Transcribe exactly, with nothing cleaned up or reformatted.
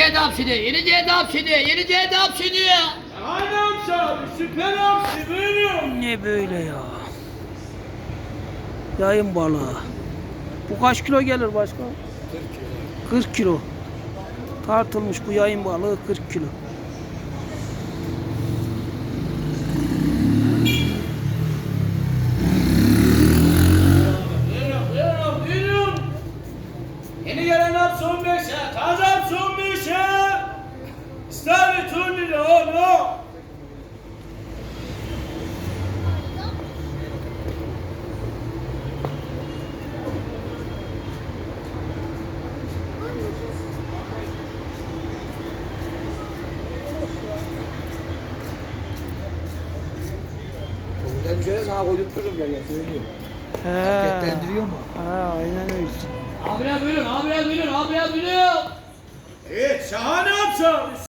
Yenice hapsini, Yenice hapsini, Yenice hapsini. Şahane hamsi abi, süper hamsi, buyurun. Ne böyle ya? Yayın balığı. Bu kaç kilo gelir başka? kırk kilo. Tartılmış bu yayın balığı kırk kilo. Buyurun, buyurun, buyurun. Yeni gelen hamsi on beşe, taze hamsi on beşe. İstavrit on lira oğlum. Ben bir kere sana koydurturum ya, söylüyorum. He. Hareketlendiriyor mu? Ha, aynen öyle. Abiler buyurun, abiler buyurun, abiler buyurun. Evet, şahane hamsi abi.